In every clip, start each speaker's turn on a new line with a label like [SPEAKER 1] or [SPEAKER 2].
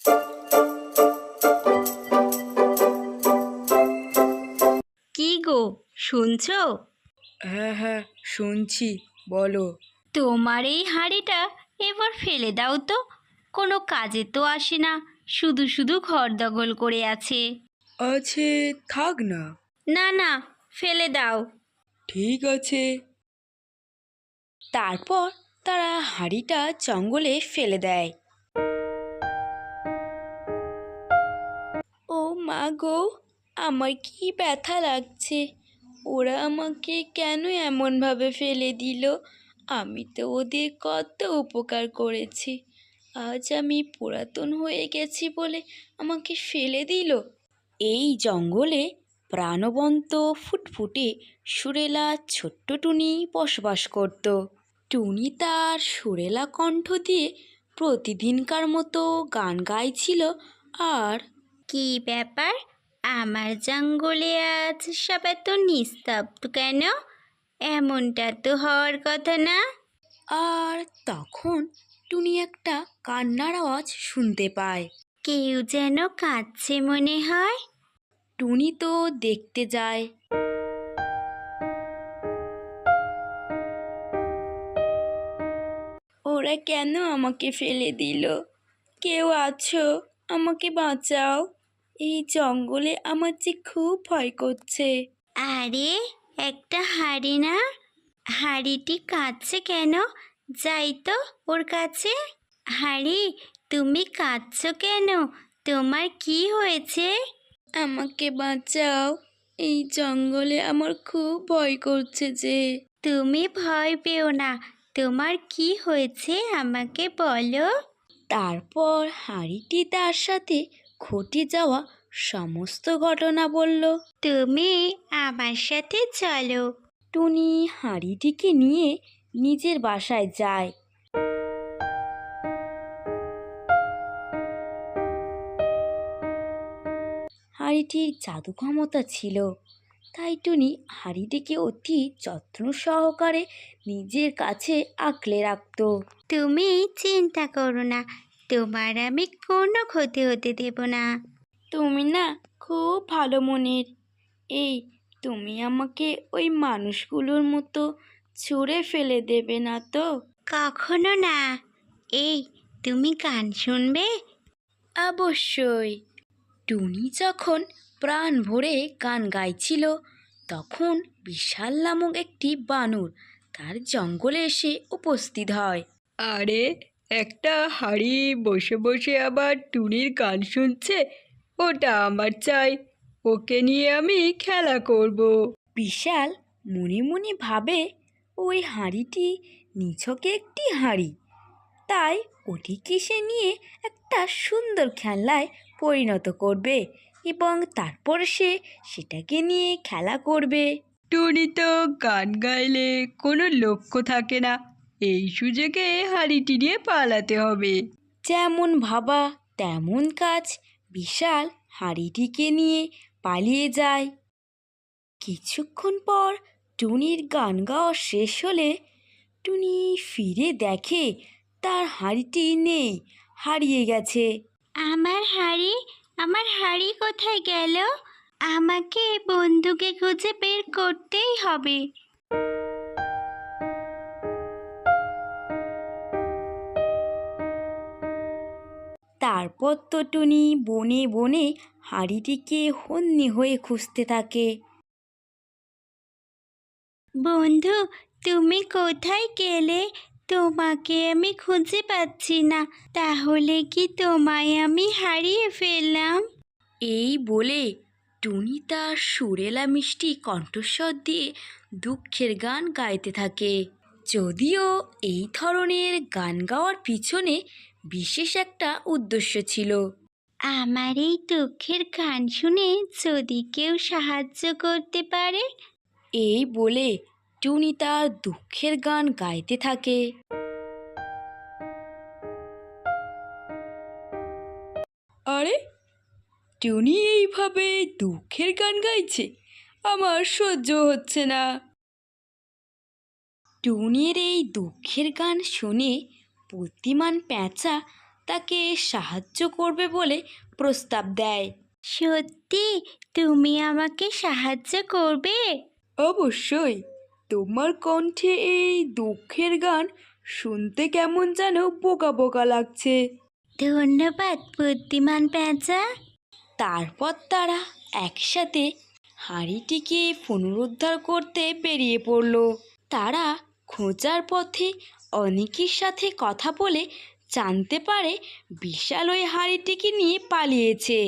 [SPEAKER 1] কি গো, শুনছো?
[SPEAKER 2] হ্যাঁ হ্যাঁ, শুনছি, বলো।
[SPEAKER 1] তোমার এই হাঁড়িটা এবার ফেলে দাও তো, কোনো কাজে তো আসে না, শুধু শুধু ঘর দখল করে আছে।
[SPEAKER 2] আছে, থাক না।
[SPEAKER 1] না না, ফেলে দাও।
[SPEAKER 2] ঠিক আছে। তারপর তারা হাঁড়িটা জঙ্গলে ফেলে দেয়। ও মা গো, আমার কি ব্যথা লাগছে। ওরা আমাকে কেন এমনভাবে ফেলে দিল? আমি তো ওদের কত উপকার করেছি, আজ আমি পুরাতন হয়ে গেছি বলে আমাকে ফেলে দিল। এই জঙ্গলে প্রাণবন্ত ফুটফুটে সুরেলা ছোট্ট টুনি বসবাস করত। টুনি তার সুরেলা কণ্ঠ দিয়ে প্রতিদিনকার মতো গান গাইছিল। আর
[SPEAKER 1] কি ব্যাপার, আমার জঙ্গলে আজ সব এত নিস্তব্ধ কেন? এমনটা তো হওয়ার কথা না।
[SPEAKER 2] আর তখন টুনি একটা কান্নার আওয়াজ শুনতে পায়।
[SPEAKER 1] কেউ যেন কাঁদছে মনে হয়।
[SPEAKER 2] টুনি তো দেখতে যায়। ওরা কেন আমাকে ফেলে দিল? কেউ আছো? আমাকে বাঁচাও। এই জঙ্গলে আমার যে খুব ভয় করছে।
[SPEAKER 1] আরে, একটা হাঁড়ি না? হাঁড়িটি কাঁদছে কেন? যাই তো ওর কাছে। হাঁড়ি, তুমি কাঁদছো কেন? তোমার কি হয়েছে?
[SPEAKER 2] আমাকে বাঁচাও, এই জঙ্গলে আমার খুব ভয় করছে যে।
[SPEAKER 1] তুমি ভয় পেও না, তোমার কি হয়েছে আমাকে বলো।
[SPEAKER 2] তারপর হাঁড়িটি তার সাথে ঘটে যাওয়া সমস্ত ঘটনা বলল।
[SPEAKER 1] তুমি আমার সাথে চলো।
[SPEAKER 2] টুনি হাঁড়িটিকে নিয়ে নিজের বাসায় যায়। হাঁড়িটির জাদু ক্ষমতা ছিল, তাই টুনি হাঁড়িটিকে অতি যত্ন সহকারে নিজের কাছে আঁকলে রাখত।
[SPEAKER 1] তুমি চিন্তা করো না, তোমার আমি কোনো ক্ষতি হতে দেব না।
[SPEAKER 2] তুমি না খুব ভালো মনের। এই, তুমি আমাকে ওই মানুষগুলোর মতো ছুঁড়ে ফেলে দেবে না তো?
[SPEAKER 1] কখনো না। এই, তুমি গান শুনবে?
[SPEAKER 2] অবশ্যই। টুনি যখন প্রাণ ভরে গান গাইছিল, তখন বিশাল নামক একটি বানর তার জঙ্গলে এসে উপস্থিত হয়। আরে, একটা হাঁড়ি বসে বসে আবার টুনির গান শুনছে, ওটা আমার চাই। ওকে নিয়ে আমি খেলা করব। বিশাল মনে মনে ভাবে, ওই হাঁড়িটি নিছকে একটি হাঁড়ি, তাই ওটিকে সে নিয়ে একটা সুন্দর খেলনায় পরিণত করবে এবং তারপর সে সেটাকে নিয়ে খেলা করবে। টুনি তো গান গাইলে কোনো লক্ষ্য থাকে না, এই সুযোগে হাঁড়িটি নিয়ে পালাতে হবে। যেমন ভাবা তেমন কাজ, বিশাল হাঁড়িটিকে নিয়ে পালিয়ে যায়। কিছুক্ষণ পর টুনির গান গাওয়া শেষ হলে টুনি ফিরে দেখে তার হাঁড়িটি নেই, হারিয়ে গেছে।
[SPEAKER 1] আমার হাঁড়ি, আমার হাঁড়ি কোথায় গেল? আমাকে বন্ধুকে খুঁজে বের করতেই হবে।
[SPEAKER 2] তারপর তো টুনি বনে বনে হাঁড়িটিকে হন্যে হয়ে খুঁজতে থাকে।
[SPEAKER 1] বন্ধু, তুমি কোথায় গেলে? তোমাকে আমি খুঁজে পাচ্ছি না। তাহলে কি তোমায় আমি হারিয়ে ফেললাম?
[SPEAKER 2] এই বলে টুনি তার সুরেলা মিষ্টি কণ্ঠস্বর দিয়ে দুঃখের গান গাইতে থাকে। যদিও এই ধরনের গান গাওয়ার পিছনে বিশেষ একটা উদ্দেশ্য ছিল।
[SPEAKER 1] আমার এই দুঃখের গান শুনে যদি কেউ সাহায্য করতে পারে।
[SPEAKER 2] এই বলে টুনি তার দুঃখের গান গাইতে থাকে। আরে, টুনি এইভাবে দুঃখের গান গাইছে, আমার সহ্য হচ্ছে না। টুনির এই দুঃখের গান শুনে বুদ্ধিমান পেঁচা তাকে সাহায্য করবে বলে প্রস্তাব দেয়।
[SPEAKER 1] সত্যি তুমি আমাকে সাহায্য করবে?
[SPEAKER 2] অবশ্যই। তোমার কণ্ঠে এই দুঃখের গান শুনতে কেমন যেন বোকা বোকা লাগছে।
[SPEAKER 1] ধন্যবাদ বুদ্ধিমান পেঁচা।
[SPEAKER 2] তারপর তারা একসাথে হাঁড়িটিকে পুনরুদ্ধার করতে বেরিয়ে পড়ল। তারা খোঁজার পথে অনেকের সাথে কথা বলে জানতে পারে বিশাল ওই হাঁড়িটিকে নিয়ে পালিয়েছে।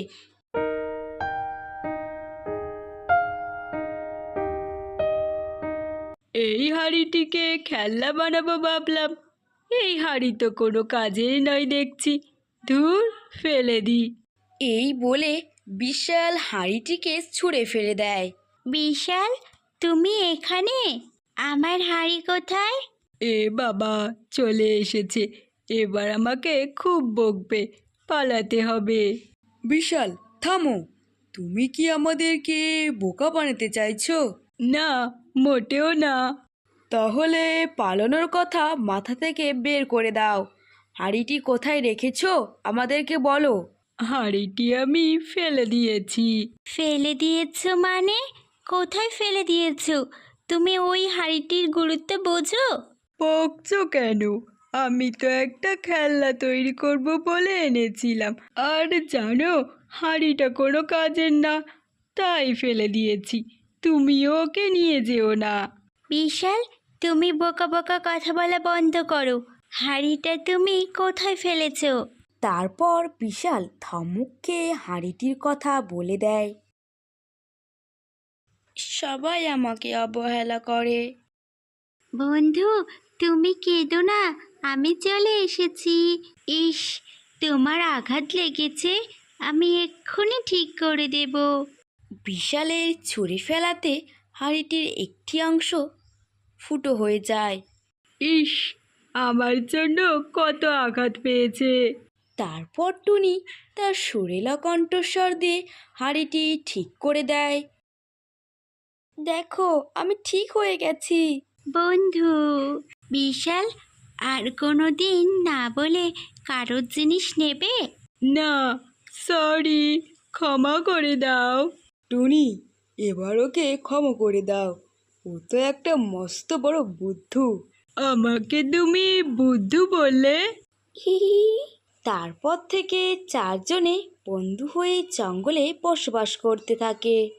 [SPEAKER 2] এই হাঁড়িটিকে খেলনা বানাবো ভাবলাম, এই হাঁড়ি তো কোনো কাজের নয় দেখছি, ধুর ফেলে দিই। এই বলে বিশাল হাঁড়িটিকে ছুঁড়ে ফেলে দেয়।
[SPEAKER 1] বিশাল, তুমি এখানে? আমার হাঁড়ি কোথায়?
[SPEAKER 2] এ বাবা, চলে এসেছে, এবার আমাকে খুব বকবে, পালাতে হবে। বিশাল, থামো, তুমি কি আমাদেরকে বোকা বানাতে চাইছো? না, মোটেও না। তাহলে পালানোর কথা মাথা থেকে বের করে দাও। হাঁড়িটি কোথায় রেখেছো আমাদেরকে বলো। হাঁড়িটি আমি ফেলে দিয়েছি।
[SPEAKER 1] ফেলে দিয়েছো মানে? কোথায় ফেলে দিয়েছো? তুমি ওই হাঁড়িটির গুরুত্ব বোঝো?
[SPEAKER 2] বকছো কেন? আমি তো একটা খেলনা তৈরি করব বলে এনেছিলাম, আর জানো হাঁড়িটা কোনো কাজের না, তাই ফেলে দিয়েছি। তুমিও ওকে নিয়ে যেও না।
[SPEAKER 1] বিশাল, তুমি বোকা বোকা কথা বলা বন্ধ করো। হাঁড়িটা তুমি কোথায় ফেলেছো?
[SPEAKER 2] তারপর বিশাল থামুককে হাঁড়িটির কথা বলে দেয়। সবাই আমাকে অবহেলা করে।
[SPEAKER 1] বন্ধু, তুমি কেঁদো না, আমি চলে এসেছি। ইস, তোমার আঘাত লেগেছে, আমি এক্ষুনি ঠিক করে দেব।
[SPEAKER 2] বিশালের ছুরি ফেলাতে হাঁড়িটির একটি অংশ ফুটো হয়ে যায়। ইস, আমার জন্য কত আঘাত পেয়েছে। তারপর টুনি তার সুরেলা কণ্ঠস্বর দিয়ে হাঁড়িটি ঠিক করে দেয়। দেখো, আমি ঠিক হয়ে গেছি।
[SPEAKER 1] বন্ধু বিশাল, আর কোনো দিন না বলে কারোর জিনিস নেবে?
[SPEAKER 2] না, সরি, ক্ষমা করে দাও। টুনি, এবার ওকে ক্ষমা করে দাও, ও তো একটা মস্ত বড় বুদ্ধু। আমাকে তুমি বুদ্ধু বললে? তারপর থেকে চারজনে বন্ধু হয়ে জঙ্গলে বসবাস করতে থাকে।